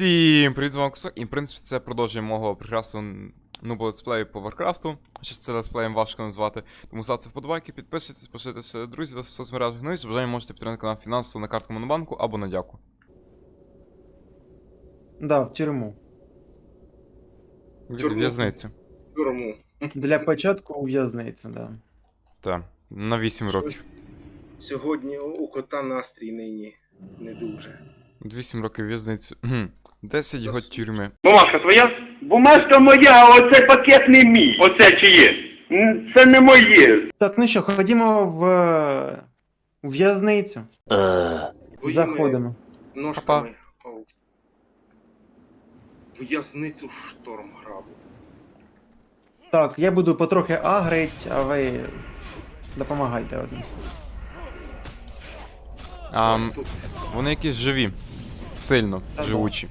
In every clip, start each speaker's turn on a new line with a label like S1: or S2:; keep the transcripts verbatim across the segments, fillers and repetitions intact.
S1: Всім привіт, з вами Кусок, і в принципі це продовжує мого прекрасного нубо летсплею по Варкрафту. Щось це летсплеєм важко назвати. Тому ставте вподобайки, підписуйтесь, пишітеся друзі та в соцмережах. Ну і з бажанням можете підтримати канал фінансово на картку Монобанку або на дяку.
S2: Да, в тюрму.
S1: В
S3: Тюрму.
S1: в'язницю.
S3: Тюрму.
S2: Для початку у в'язницю, да.
S1: Так, на вісім років.
S3: Сьогодні у кота настрій нині не дуже.
S1: вісім років в'язницю. Хм, десять год тюрми.
S4: Бумажка твоя? Бумажка моя, а оцей пакет не мій. Оце чиє? М, Це не моє.
S2: Так, ну що, ходімо в е, у в'язницю. Заходимо.
S3: Ножками в в'язницю Штормграбу.
S2: Так, я буду потрохи агрить, а ви допомагайте одним.
S1: А, м,
S3: Тут
S1: вони якісь живі. Сильно
S2: Та да.
S1: живучі.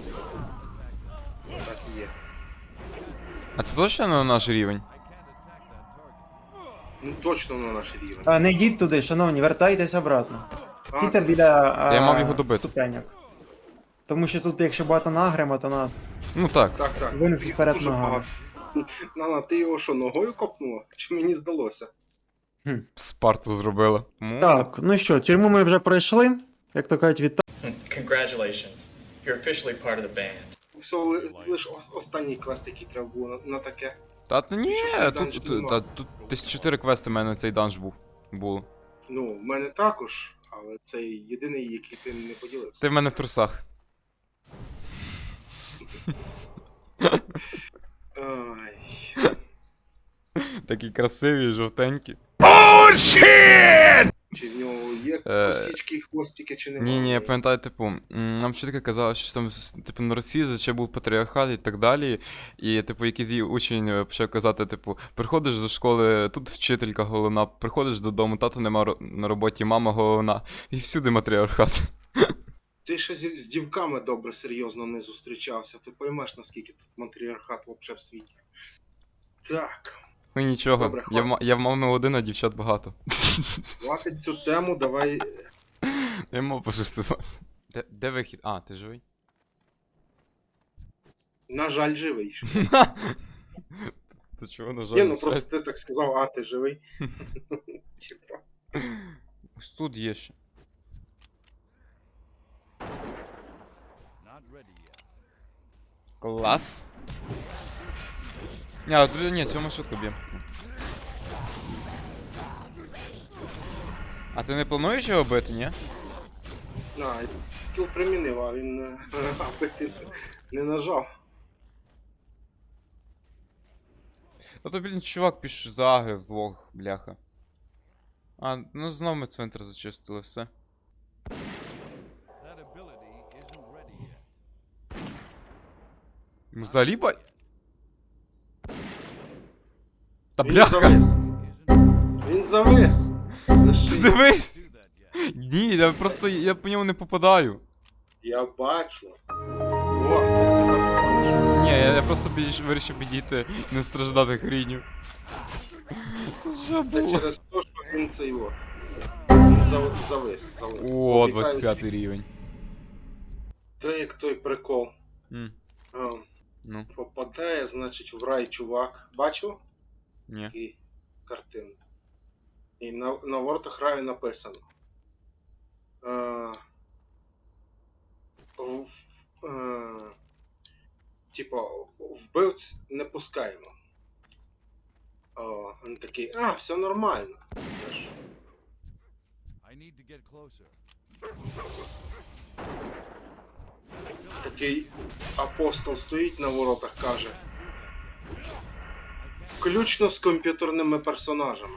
S3: так і є.
S1: А це точно на наш рівень?
S3: Ну точно на наш рівень.
S2: А, не йдіть туди, шановні, вертайтесь обратно.
S3: А,
S2: Стійте
S3: це-
S2: біля а,
S1: я мав його добити.
S2: ступеньок. Тому що тут, якщо багато нагремо, то нас
S1: Ну так.
S3: Так, так.
S2: винесуть
S3: Їх
S2: вперед
S3: дуже
S2: ногами.
S3: багато. Нана, ти його що, ногою копнула? Чи мені здалося?
S1: Спарту зробила. М,
S2: Так, ну що, тюрму ми вже пройшли. Як то кажуть, вітаю.
S5: Congratulations. You're officially part of the band.
S3: Все, ли- лиш ос- останній квест, який треба було на, на таке.
S1: Та то ні,
S3: Щоб
S1: тут,
S3: данж
S1: тут,
S3: нема.
S1: та, тут десь чотири квести в мене цей данж був. Було.
S3: Ну, в мене також, але це єдиний, який ти не поділився.
S1: Ти в мене в трусах.
S3: Ай.
S1: Такі красиві, жовтенькі.
S3: Чи в нього є
S1: Е,
S3: косички, хвостики, чи немає?
S1: Ні, ні, я пам'ятаю, типу, м, нам вчителька казала, що там, с- типу, на Росії ще був патріархат і так далі. І, типу, якийсь її учень е, почав казати, типу, приходиш до школи, тут вчителька головна, приходиш додому, тато нема ро- на роботі, мама головна. І всюди матріархат.
S3: Ти ще з, з дівками добре серйозно не зустрічався. Ти поймеш, наскільки тут матріархат взагалі в світі. Так,
S1: Ну нічого,
S3: Добре,
S1: я, в,
S3: хватить.
S1: ма- я в мами один, а дівчат багато.
S3: хватить цю тему, давай.
S1: Я мав пожартувати. Де, де вихід? А, ти живий?
S3: На жаль, живий. ще.
S1: То чого, на жаль,
S3: Ні, ну
S1: на
S3: просто
S1: щастя?
S3: ти так сказав, а ти живий. Типа.
S1: Ось тут є ще. Клас. Ні, а, друзі, ні, цьому швидко б'є. А ти не плануєш його бити, ні?
S3: На, кіл примінив, а він е, аби ти не нажав.
S1: А то, блін, чувак піш загрив вдвох, бляха. А, ну знов ми цвинтар зачистили, все. Йому взагалі бай... Та
S3: Він
S1: бляха!
S3: завис. Він завис. За
S1: Ти
S3: шию.
S1: дивись! Ні, я просто я по ньому не попадаю.
S3: Я бачу. О,
S1: Ні, я, я просто більш вирішив підійти і не страждати хріню. Це що
S3: це
S1: було?
S3: через те, що він цей от. Він зав- завис. завис.
S1: О,
S3: Вітаю.
S1: двадцять п'ятий рівень.
S3: Це як той прикол.
S1: М,
S3: А,
S1: ну,
S3: попадає, значить, в рай чувак. Бачив?
S1: ні.
S3: Такі картини. І на, на воротах раю написано. А, в, е, типа, вбивць не пускаємо. О, він такий, а, все нормально. Я ж,
S6: I need to get closer.
S3: такий апостол стоїть на воротах, каже. Включно з комп'ютерними персонажами.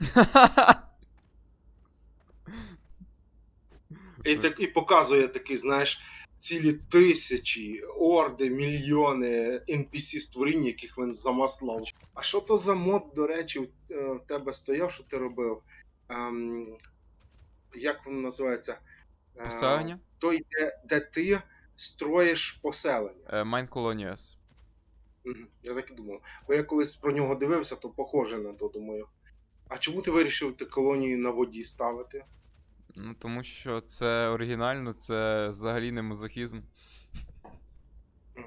S3: І, так, і показує такий, знаєш, цілі тисячі, орди, мільйони ен пі сі створінь, яких він замаслав. А що то за мод, до речі, в, е, в тебе стояв, що ти робив? Ем, як воно називається? Е,
S1: Поселення?
S3: Той, де, де ти строїш поселення.
S1: Е, Mine Colonies.
S3: Мгм, я так і думав. Бо я колись про нього дивився, то похоже на то, думаю. А чому ти вирішив ти колонію на воді ставити?
S1: Ну тому що це оригінально, це взагалі не мазохізм.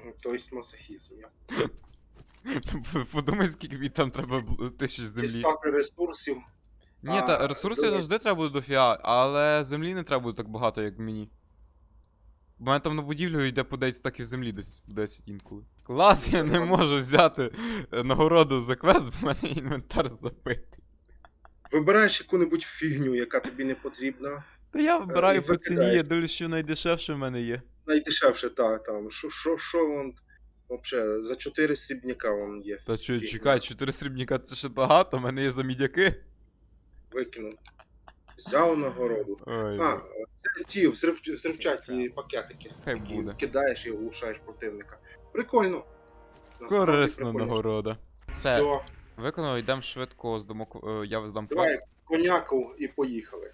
S3: Тобто масохізм. Я.
S1: Подумай, скільки мені там треба бл- тисяч землі.
S3: Дістати ресурсів.
S1: Ні,
S3: А,
S1: та ресурсів
S3: давай.
S1: завжди треба буде дофіга, але землі не треба буде так багато, як мені. У мене там на будівлю йде по десять стаків землі десь десять інколи. Клас, я не можу взяти е, нагороду за квест, бо в мене інвентар забитий.
S3: Вибираєш яку-небудь фігню, яка тобі не потрібна.
S1: Та я
S3: і
S1: вибираю по ціні,
S3: викидаєш.
S1: я дивлюсь, що найдешевше в мене є.
S3: Найдешевше, та, там. Що, що, що вон, вообще, за чотири срібняка вон є.
S1: Та що,
S3: фігня.
S1: чекай, чотири срібніка це ще багато, в мене є за мідяки.
S3: Викинув. Взяв нагороду.
S1: Ой,
S3: А, це ті взрив, взривчаті пакетики.
S1: Хай
S3: які
S1: буде.
S3: кидаєш і оглушаєш противника. Прикольно. Насправді
S1: корисна
S3: прикольно.
S1: нагорода. Все,
S3: Все,
S1: виконав, йдемо швидко, здамо, к- е, я здам
S3: давай
S1: квест.
S3: коняку і поїхали.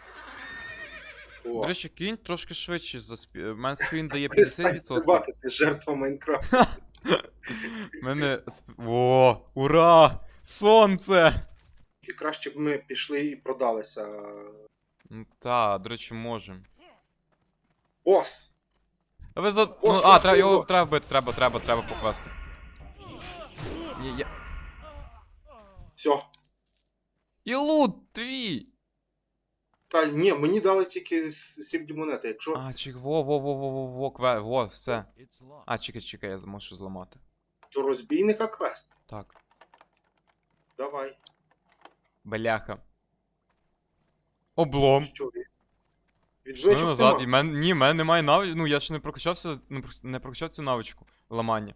S3: О,
S1: До речі, кінь трошки швидше за спі... У мене скрін дає п'ятдесят
S3: перестань
S1: відсотків.
S3: стрибати, ти жертва Майнкрафту.
S1: У мене... сп- О, ура! Сонце!
S3: І краще б ми пішли і продалися.
S1: Ну та, до речі, можемо.
S3: Бос!
S1: А ви за... Ну,
S3: Ось,
S1: а,
S3: ось
S1: треба, його
S3: його.
S1: треба бити, треба, треба, треба по квесту. Ні, я...
S3: Все.
S1: І лут твій!
S3: Та ні, мені дали тільки с- срібні монети. Якщо
S1: А, чек, во, во, во, во, во, во, кве, во, все.
S6: It's locked.
S1: А, чекай, чекай, я можу зламати.
S3: то розбійника квест.
S1: Так.
S3: Давай.
S1: Бляха. Облом.
S3: Що від?
S1: Пішли
S3: Відвичок
S1: назад,
S3: нема.
S1: і мен... ні, в мене немає навички, ну я ще не прокачався, не, про- не прокачав цю навичку ламання.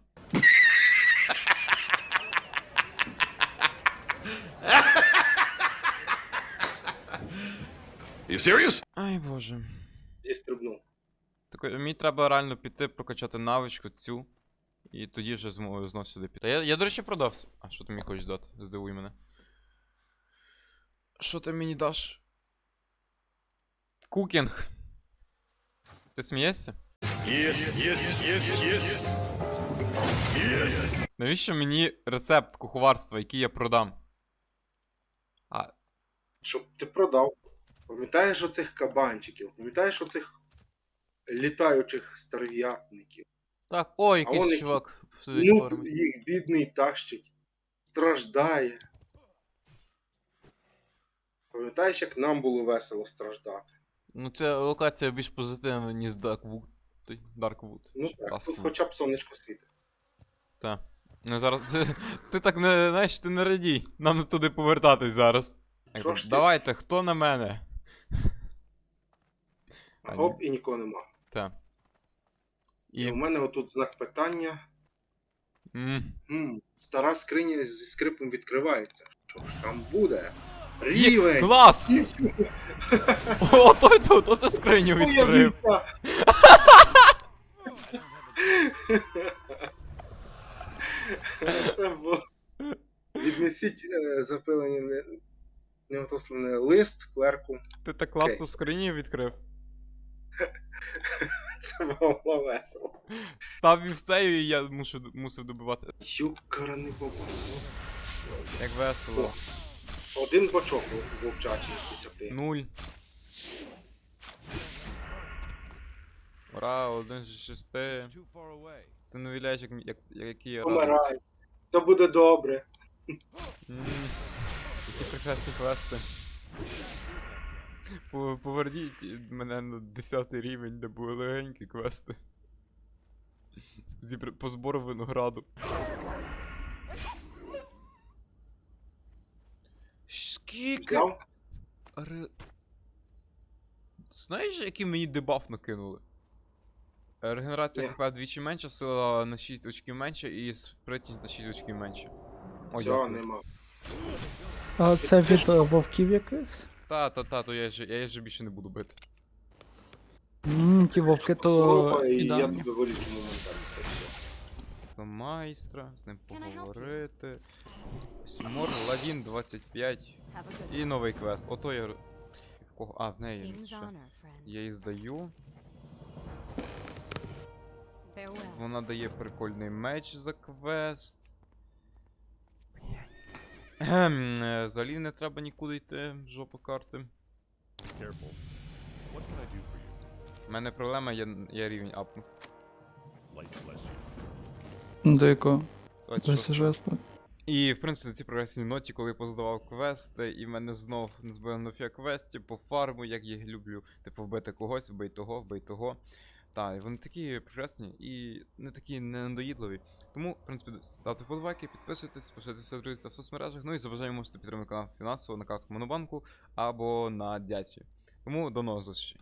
S6: You serious?
S1: Ай боже.
S3: Зістрибнув.
S1: Так, мені треба реально піти прокачати навичку цю. І тоді вже зможу знов сюди піти. Я, я, до речі, продався. А що ти мені хочеш дати? Здивуй мене. Що ти мені даш? Кукінг. Ти смієшся?
S6: Yes, yes, yes, yes. Yes.
S1: Навіщо мені рецепт куховарства, який я продам? А,
S3: Щоб ти продав. Пам'ятаєш оцих кабанчиків? Пам'ятаєш оцих літаючих старв'ятників?
S1: так, о,
S3: А
S1: якийсь
S3: он який-
S1: чувак сидить в
S3: Ну,
S1: формі.
S3: їх бідний тащить. Страждає. Пам'ятаєш, як нам було весело страждати?
S1: Ну, ця локація більш позитивна, ніж Darkwood. Той, Darkwood.
S3: Ну
S1: Чи
S3: так, тут
S1: Duskwood.
S3: хоча б сонечко світить.
S1: Та. Ну зараз. Ти, ти так не. Знаєш, ти не радій. Нам туди повертатись зараз. Я
S3: Що
S1: кажу,
S3: ж ти?
S1: давайте, хто на мене?
S3: А
S1: А,
S3: гоп, і нікого нема.
S1: Та.
S3: І
S1: І.
S3: у мене отут знак питання.
S1: М,
S3: М, стара скриня зі скрипом відкривається. Що ж там буде?
S1: Є,
S3: Рівень!
S1: клас! О, той тут, ото скриню відкрив.
S3: Появився! Це було. Віднесіть е, запилений не- неотослений лист клерку.
S1: Ти так класно скриню відкрив.
S3: Це було весело.
S1: Став вівцею і я мушу, мусив добивати.
S3: Юкара не побачив.
S1: Як весело.
S3: Один бачок вовчачий з десяти.
S1: Нуль. Ура, один з шести.
S6: It's too far away.
S1: Ти не уявляєш, як, як, який я радий.
S3: Помирай. Це буде добре.
S1: М, Які прекрасні квести. По- Поверніть мене на десятий рівень, де були легенькі квести. Зібр... По збору винограду. Скільки?
S3: Взяв?
S1: Ре... Знаєш, який мені дебаф накинули? Е, Регенерація
S3: Ні.
S1: ХП вдвічі менша, сила на шість очків менше і спритність на шість очків менше. О,
S3: Цього
S1: дякую.
S3: нема.
S7: А це від е, вовків якихось?
S1: Та, та, та, то я ж я ж більше не буду бити.
S7: Ммм, ті вовки то
S3: Опа, і я
S7: ідеальні.
S3: тебе вилічу моментально. Це все.
S1: До майстра, з ним поговорити. Сімор, Ладін двадцять п'ять. І новий квест. Ото я. В кого? А, в неї.
S8: King's
S1: ще.
S8: honor, friend.
S1: Я її здаю.
S8: Farewell.
S1: Вона дає прикольний меч за квест. Ем, е, Взагалі не треба нікуди йти, жопа карти.
S6: Careful. What can I do for you?
S1: У мене проблема, я, я рівень апнув.
S6: Light bless you.
S7: До якого?
S1: двадцять
S7: До
S1: шостого.
S7: сюжету.
S1: І, в принципі, на цій прогресній ноті, коли я поздавав квести, і в мене знов не збили нофія квестів по фарму, як я їх люблю. Типу, вбити когось, вбий того, вбий того. Так, і вони такі прекрасні і не такі ненадоїдливі. Тому, в принципі, ставте вподобайки, підписуйтесь, поширюйте друзі в соцмережах. Ну і за бажанням можете підтримати канал фінансово на картку Монобанку або на Дяці. Тому до нових зустрічей.